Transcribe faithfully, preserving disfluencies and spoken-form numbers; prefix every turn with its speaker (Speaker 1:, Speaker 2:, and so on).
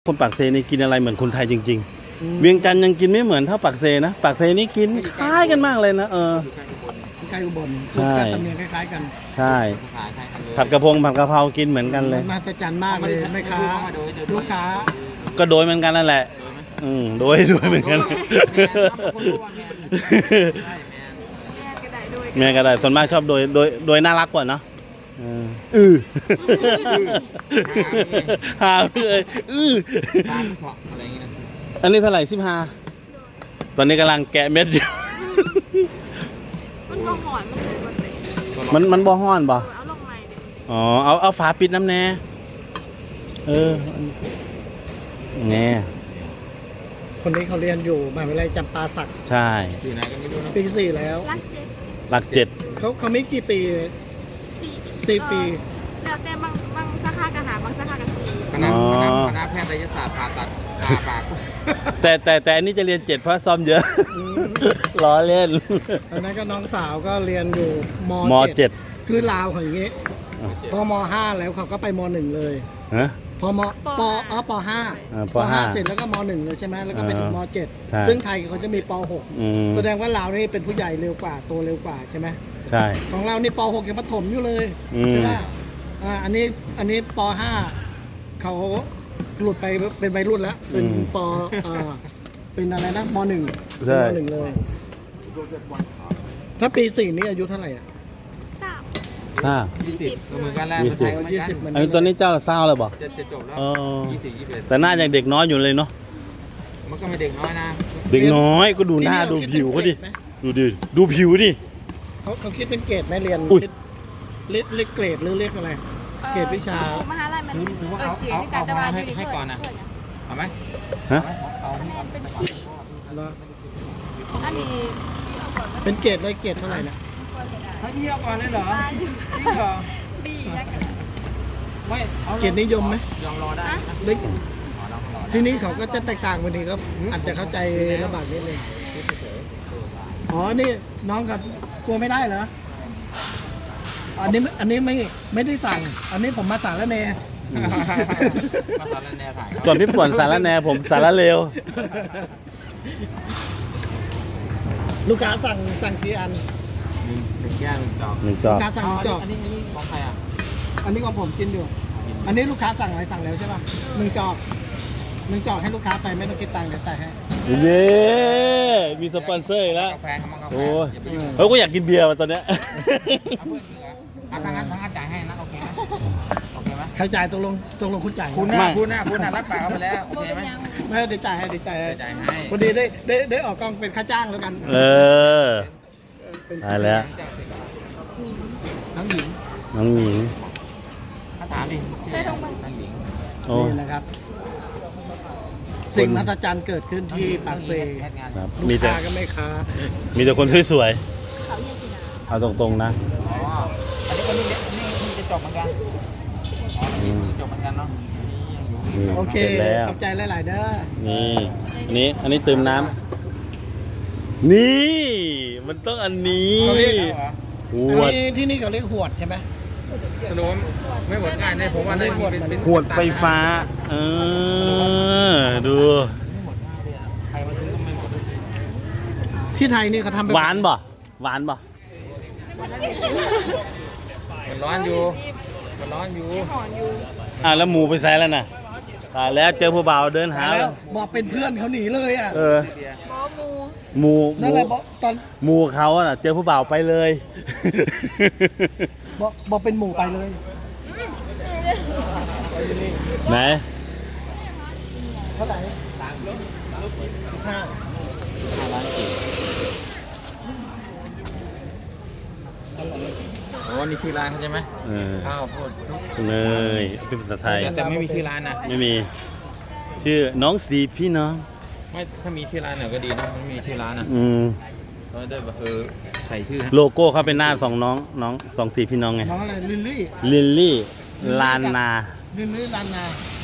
Speaker 1: คนปากเซนี่กินอะไรเหมือนคนไทยจริงๆเวียงจันทร์ยังกินไม่เหมือนเท่าปากเซนะปากเซนี่กินคล้ายกันมากเลยนะเออ
Speaker 2: ใกล้อุบล
Speaker 1: ใช่
Speaker 2: ตำเนียงคล้ายๆกัน
Speaker 1: ใช่ผัดกระพงผัดกะเพรากินเหมือนกันเลย
Speaker 2: มาตรจันมากเลยแม่ค้าลูกค้า
Speaker 1: ก็โดยเหมือนกันนั่นแหละอืมโดยโดยเหมือนกันแม่ก็ได้ส่วนมากชอบโดยโดยโดยน่ารักกว่าเนาะอือหาเลยอืออันนี้เท่าไหร่สิบห้าตอนนี้กำลังแกะเม็ดอยู่
Speaker 3: มันก็หอนมันเลยมันเตะ
Speaker 1: มันมันบ่ฮ้อนบ่
Speaker 3: เอาลงใหม่ดิ
Speaker 1: อ๋อเอาเอาฝาปิดน้ำแน่เออแน่
Speaker 2: คนนี้เขาเรียนอยู่มหาวิทยาลัยจำปาสัก
Speaker 1: ใช่
Speaker 2: ปีสี่แล้ว
Speaker 3: รักเจ็ด
Speaker 1: หลักเจ็ด
Speaker 2: เขาเขาไม่กี่ปี
Speaker 3: สี่
Speaker 2: สี่ปี
Speaker 3: แล้วแต่บางบางสาขากระหาบางสาขากระสี
Speaker 4: คณะคณะคณะแพทยศาสตร์ผ่าตัดผ่าปาก
Speaker 1: แต่แต่แต่อันนี้จะเรียนเจ็ดเพราะซ้อมเยอะล้อเล่น
Speaker 2: ตอนนั้นก็น้องสาวก็เรียนอยู่ม
Speaker 1: มเจ็ด
Speaker 2: คือลาวของอย่างงี้พอมห้าแล้วเขาก็ไปมหนึ่งเลย
Speaker 1: ฮะ
Speaker 2: พอมปอ๋อปห้า
Speaker 1: อ่าป
Speaker 2: ป
Speaker 1: ห้า
Speaker 2: ห้าเสร็จแล้วก็มหนึ่งเลยใช่ไหมแล้วก็ไปถึงมเจ็ด
Speaker 1: ใช่
Speaker 2: ซึ่งไทยเขาจะมีปหก
Speaker 1: อืม
Speaker 2: แสดงว่าลาวนี่เป็นผู้ใหญ่เร็วกว่าโตเร็วกว่าใช่ไหม
Speaker 1: ใช่
Speaker 2: ของเรานี่ปหกยังประถมอยู่เลย
Speaker 1: อืม
Speaker 2: ใช่ไหมอ่าอันนี้อันนี้ปห้าเขาหลุดไปเป็นวัยรุ่นแล้วเป็นปอ่าเป็นอะไรนะมหนึ่ง
Speaker 1: ใช่
Speaker 2: มหนึ่งเลย ถ้าปีสี่นี่อายุเท่าไหร่อ่ะ
Speaker 3: สาม
Speaker 1: ห้า
Speaker 4: ยี่สิบเหมือนกันแหละ
Speaker 1: ยี่สิบ
Speaker 4: ไทยก็เหมือน
Speaker 2: ยี่
Speaker 4: กัน
Speaker 2: สิบมัน
Speaker 1: อันนี้ตัวนี้เจ้าละเศร้าเลยบ่
Speaker 4: จะจะจบแล้ว
Speaker 1: เออ
Speaker 4: ยี่สิบยี่สิบเอ็ด
Speaker 1: แต่หน้ายังเด็กน้อยอยู่เลยเนาะ
Speaker 4: มันก็ไม่เด็กน้อยนะ
Speaker 1: เด็กน้อยก็ดูหน้าดูผิวเขาดิดูดิดูผิวดิ
Speaker 2: เขาเขาคิดเป็นเกรดไหมเรียน
Speaker 1: อุ้ย
Speaker 2: เรียกเรียกเกรดหรือเรียกอะไร เกรดวิชา
Speaker 3: มหาลัยมัน
Speaker 4: หรือว่า
Speaker 3: เออ
Speaker 4: เอา
Speaker 3: เจีย
Speaker 4: เอา
Speaker 3: ที่กา
Speaker 4: เอา
Speaker 3: รตะวัน
Speaker 4: ให้
Speaker 3: อยู่ใน
Speaker 4: ให้ก่อนนะ
Speaker 3: เพื่
Speaker 4: เอาไหม
Speaker 1: ฮะ
Speaker 4: เอาเอา
Speaker 3: เป็นชีพ
Speaker 2: แล้ว
Speaker 3: อันนี้
Speaker 2: เป็นเกรดเลยเกรดเท่าไหร่นะ
Speaker 4: ให้พี่เอาก่อนเลยเหรอจริงเหรอ
Speaker 3: บีนะ
Speaker 4: ไม่เอา
Speaker 2: เกรดนิยมไหม
Speaker 4: ยอมรอได้นะ
Speaker 2: เล็ก
Speaker 4: ขอเรารอได้
Speaker 2: ที่นี้เขาก็จะแตกต่างกันดีครับอาจจะเข้าใจลำบากนิดนึงอ๋อนี่น้องกับกลัวไม่ได้เหรออันนี้อันนี้ไม่ไม่ได้สั่ง อันนี้ผมมาสั่งแล้วเน
Speaker 4: มาตอนนั้นแนวถ่าย
Speaker 1: ส่วนพี่ป่วนสารแหนผมสารเลว
Speaker 2: ลูกค้าสั่งสั่งกี่อัน
Speaker 4: หนึ่งแก้วหนึ่งจอก
Speaker 1: หนึ่งจ
Speaker 2: ลู
Speaker 1: อก
Speaker 2: กค้าสั่งจอก
Speaker 4: อันนี้อันนี้ของใครอ่ะ
Speaker 2: อันนี้ของผมกินอยู่ อันนี้ลูกค้าสั่งอะไรสั่งแล้วใช่ป่ะหนึ่งจอกหนึ่งจอกให้ลูกค้าไปไม่ต้องคิดตังค์เดี๋ยวจ่ายให้
Speaker 1: เย้มีสปอนเซอร์อีกแล้ว
Speaker 4: กาแฟเขามากาแฟ
Speaker 1: โอ้ย
Speaker 4: อย่าไปยุ่ง
Speaker 1: เฮ้ยกูอยากกินเบียร์ว่ะตอนเนี้ย
Speaker 4: เอาเพื่อนจริงเหรอเอาทางนั้นทางนั้นจ่ายให้นะโอเคไหมโอเคไหม
Speaker 2: ใครจ่ายตกลงตกลงคุณจ่าย
Speaker 4: คุณ
Speaker 1: ไม่
Speaker 4: น่ะคุณน่ะคุณน่ะรับปากเขาไปแล้วโอเคไหม
Speaker 2: ไม่ได้จ่ายให้ได้จ่ายให้
Speaker 4: จ่ายให้
Speaker 2: พอดีได้ได้ได้ออกกล้องเป็นค่าจ้างแล้วกัน
Speaker 1: เออ
Speaker 2: เป็น
Speaker 1: ได้แล้ว
Speaker 4: น้องหญิง
Speaker 1: น้องหญิง
Speaker 4: ถ้าถามดิชื่ออะไรน้องหญิง
Speaker 1: โอ้
Speaker 2: นี่นะครับ สิ่งมหัศจรรย์เกิดขึ้นที่ปากเซ
Speaker 4: แพทย์งาน
Speaker 1: ครับ
Speaker 2: ลู
Speaker 1: มี
Speaker 2: ก
Speaker 1: แต่
Speaker 2: ค้าก็ไม่ค้า
Speaker 1: มีแต่คนสวย
Speaker 3: เขาเยี่ยกีนา
Speaker 1: ๆเอาตรงๆนะ
Speaker 4: อ๋ออันนี้คนนี้นี่นี่จะจบเหมือนกันอ๋อนี่จะจบเหมือนกันเนาะนี่ยังอยู่
Speaker 1: นี่
Speaker 2: โอเค
Speaker 1: เสร็จแล้ว
Speaker 2: ขอบใจหลายๆเด้อ
Speaker 1: นี่อันนี้อันนี้เติมน้ำนี่ มันต้องอันนี้
Speaker 2: เขาเรียก
Speaker 4: เหรอ
Speaker 1: ข
Speaker 2: อัน
Speaker 1: วด
Speaker 2: นี้ที่นี่เขาเรียกหวดใช่ไหม
Speaker 4: สรุปไม่หมดง่ายเลยผมว่าได้มีเป็นเป็น
Speaker 1: ขวดไฟฟ้า เออ ดู
Speaker 4: ไม่หมดง่ายเลยอะใครมาซื้อก็ไม่หมด
Speaker 2: ที่ไทยนี่เขาทำเป็น
Speaker 1: หวานบ่หวานบ่
Speaker 4: มันร้อนอยู่มันร้อนอยู่
Speaker 3: หอนอยู่
Speaker 1: อ่ะแล้วหมูไปใส่แล้วน่ะตายแล้วเจอผู้บ่าวเดินหา
Speaker 2: แล้วบอกเป็นเพื่อนเขาหนีเลยอ่ะ
Speaker 1: เออ
Speaker 3: บอมู
Speaker 1: หมูห
Speaker 2: นั่น
Speaker 1: มู
Speaker 2: แหละบอกตอน
Speaker 1: หมูเขาอะน่ะ เจอผู้บ่าวไปเลย
Speaker 2: บอกบอกเป็นหมู่ไปเลย
Speaker 1: ไหน
Speaker 2: เท่าไหร่ห้า
Speaker 4: โอ้นี่ชื่อร้านเขาใช่ไหม
Speaker 1: เออ
Speaker 4: ข้าวโพด
Speaker 1: เนยเป็นภาษาไทย
Speaker 4: แต่ไม่มีชื่อร้านนะ
Speaker 1: ไม่มี ชื่อน้องสีพี่น้อง
Speaker 4: ไม่ถ้ามีชื่อร้านหน่อยก็ดีนะไม่มีชื่อร้านนะ
Speaker 1: อืม
Speaker 4: เราได้แบบเออใส่ชื่อ
Speaker 1: โลโก้เขาเป็นหน้าสองน้อง น้องสองสีพี่น้องไง
Speaker 2: น้องอะไรลิลลี่
Speaker 1: ลิลลี่ ลานนา
Speaker 2: ลิลลี่ลานนา